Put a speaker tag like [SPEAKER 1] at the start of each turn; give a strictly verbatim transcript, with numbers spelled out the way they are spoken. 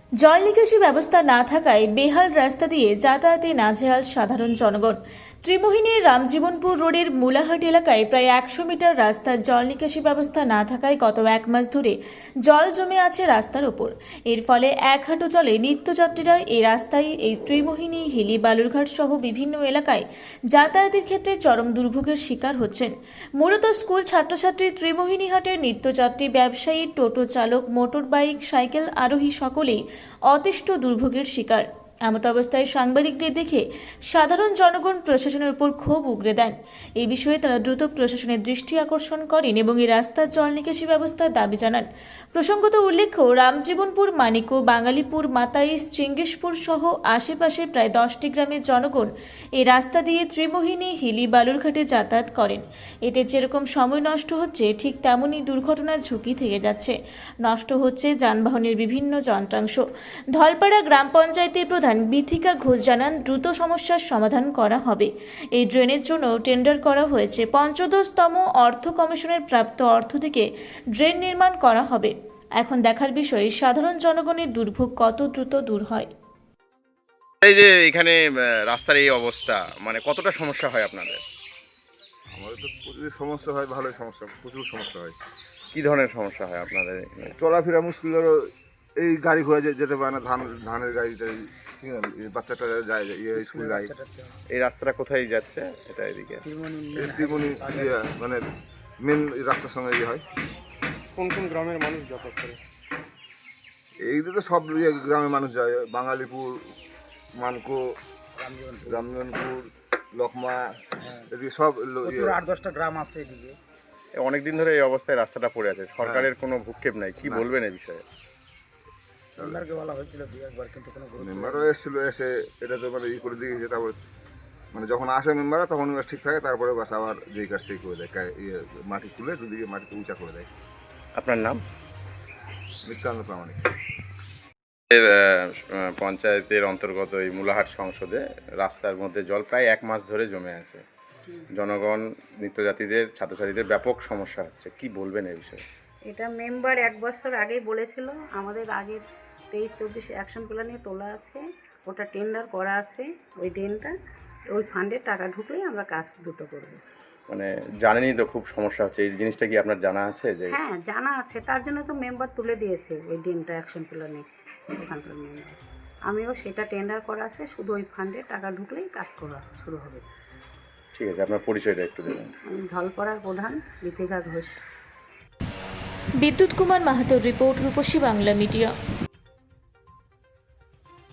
[SPEAKER 1] জল নিকাশি ব্যবস্থা না থাকায় বেহাল রাস্তা দিয়ে যাতায়াতে নাজেহাল সাধারণ জনগণ। ত্রিমোহিনীর রামজীবনপুর রোডের মুলাহাট এলাকায় প্রায় একশো মিটার রাস্তার জল নিকাশি ব্যবস্থা না থাকায় গত এক মাস ধরে জল জমে আছে রাস্তার ওপর। এর ফলে এক হাঁটু জলে নিত্যযাত্রীরা এই রাস্তায় এই ত্রিমোহিনী, হিলি, বালুরঘাট সহ বিভিন্ন এলাকায় যাতায়াতের ক্ষেত্রে চরম দুর্ভোগের শিকার হচ্ছেন। মূলত স্কুল ছাত্রছাত্রী, ত্রিমোহিনী হাটের নিত্যযাত্রী, ব্যবসায়ী, টোটো চালক, মোটর বাইক, সাইকেল আরোহী সকলেই অতিষ্ঠ দুর্ভোগের শিকার। এমত অবস্থায় সাংবাদিকদের দেখে সাধারণ জনগণ প্রশাসনের উপর ক্ষোভ উগরে দেন। এই বিষয়ে তারা দ্রুত প্রশাসনের দৃষ্টি আকর্ষণ করেন এবং এই রাস্তার জল নিকাশি ব্যবস্থার দাবি জানান। প্রসঙ্গত উল্লেখ্য, রামজীবনপুর, মানিকো, বাঙালিপুর, মাতাইশ, চিঙ্গিসপুর সহ আশেপাশের প্রায় দশটি গ্রামের জনগণ এই রাস্তা দিয়ে ত্রিমোহিনী, হিলি, বালুরঘাটে যাতায়াত করেন। এতে যেরকম সময় নষ্ট হচ্ছে, ঠিক তেমনই দুর্ঘটনার ঝুঁকি থেকে যাচ্ছে। নষ্ট হচ্ছে যানবাহনের বিভিন্ন যন্ত্রাংশ। ধলপাড়া গ্রাম পঞ্চায়েতের প্রধান বিথিকা ঘোষ জানান, দ্রুত সমস্যার সমাধান করা হবে। এই ড্রেনের জন্য টেন্ডার করা হয়েছে। পঞ্চদশতম অর্থ কমিশনের প্রাপ্ত অর্থ থেকে ড্রেন নির্মাণ করা হবে। এখন দেখার বিষয় সাধারণ জনগণের দুর্ভোগ কত দ্রুত দূর হয়।
[SPEAKER 2] এই যে এখানে আহ, রাস্তার এই অবস্থা, মানে কতটা সমস্যা হয় আপনাদের?
[SPEAKER 3] আমাদের তো প্রচুর সমস্যা হয়, ভালোই সমস্যা, প্রচুর সমস্যা হয়।
[SPEAKER 2] কি ধরনের সমস্যা হয় আপনাদের এখানে?
[SPEAKER 3] চলাফেরা মুশকিল, ধরো এই গাড়ি ঘোড়া যে- যেতে পারে না, ধান ধানের গাড়ি টাড়ি, ঠিক আছে, এই বাচ্চাটা যায় ইয়ে স্কুল যায়।
[SPEAKER 2] এই রাস্তাটা কোথায় যাচ্ছে? এটা এদিকে
[SPEAKER 3] এই ত্রিমণি ইয়ে মানে মেন রাস্তার সঙ্গে ইয়ে হয়।
[SPEAKER 4] কোন কোন গ্রামের মানুষ যাতায়াত করে?
[SPEAKER 3] এই দিকে সব ইয়ে গ্রামের মানুষ যায়, বাঙালিপুর, মানকো, রামজনপুর, লকমা, এদিকে সব লো- ইয়ে।
[SPEAKER 4] আট দশটা গ্রাম আছে এদিকে।
[SPEAKER 2] অনেক দিন ধরে এই অবস্থায় রাস্তাটা পড়ে আছে, সরকারের কোনো ভূক্ষেপ নাই। কি বলবেন এই বিষয়ে?
[SPEAKER 4] মেম্বারকে বলা হয়েছিল দুই একবার, কিন্তু কোনো গুরুত্ব
[SPEAKER 3] মেম্বারও এসেছিলো, এসে এটা তো মানে ই করে দিয়ে গেছে। তারপর মানে যখন আসে মেম্বাররা তখন বাস ঠিক থাকে, তারপরে বাস আবার যেই কাজ সেই করে দেয়, কা- ইয়ে মাটি তুলে দুদিকে মাটিতে উঁচা করে দেয়।
[SPEAKER 2] আপনার নাম?
[SPEAKER 3] নিত্যানন্দ প্রামাণিক।
[SPEAKER 2] এর, আহ, পঞ্চায়েতের অন্তর্গত এই মুলাহাট সংসদে রাস্তার মধ্যে জল প্রায় এক মাস ধরে জমে আছে। জনগণ, নিত্যযাত্রীদের, ছাত্রছাত্রীদের ব্যাপক সমস্যা হচ্ছে। কি বলবেন এই বিষয়ে?
[SPEAKER 5] এটা মেম্বার এক বছর আগেই বলেছিল, আমাদের আগের তেইশ চব্বিশ অ্যাকশন প্ল্যানে তোলা আছে, ওটা টেন্ডার করা আছে। ওই ড্রেনটা ওই ফান্ডে টাকা ঢুকলেই আমরা কাজ দ্রুত করব।
[SPEAKER 2] মানে জানেনই তো খুব সমস্যা হচ্ছে, এই জিনিসটা কি আপনার জানা আছে? যে
[SPEAKER 5] হ্যাঁ, জানা আছে, তার জন্য তো মেম্বার তুলে দিয়েছে ওই ড্রেনটা অ্যাকশন প্ল্যানে, ওখানকার মেম্বার। আমিও সেটা টেন্ডার করা আছে, শুধু ওই ফান্ডে টাকা ঢুকলেই কাজ করা শুরু হবে।
[SPEAKER 2] ঠিক আছে, আপনার পরিচয়টা একটু দেবেন।
[SPEAKER 5] আমি ধলপাড়ার প্রধান বিথিকা ঘোষ।
[SPEAKER 1] বিদ্যুৎ কুমার মাহাতোর রিপোর্ট, রূপসী বাংলা মিডিয়া।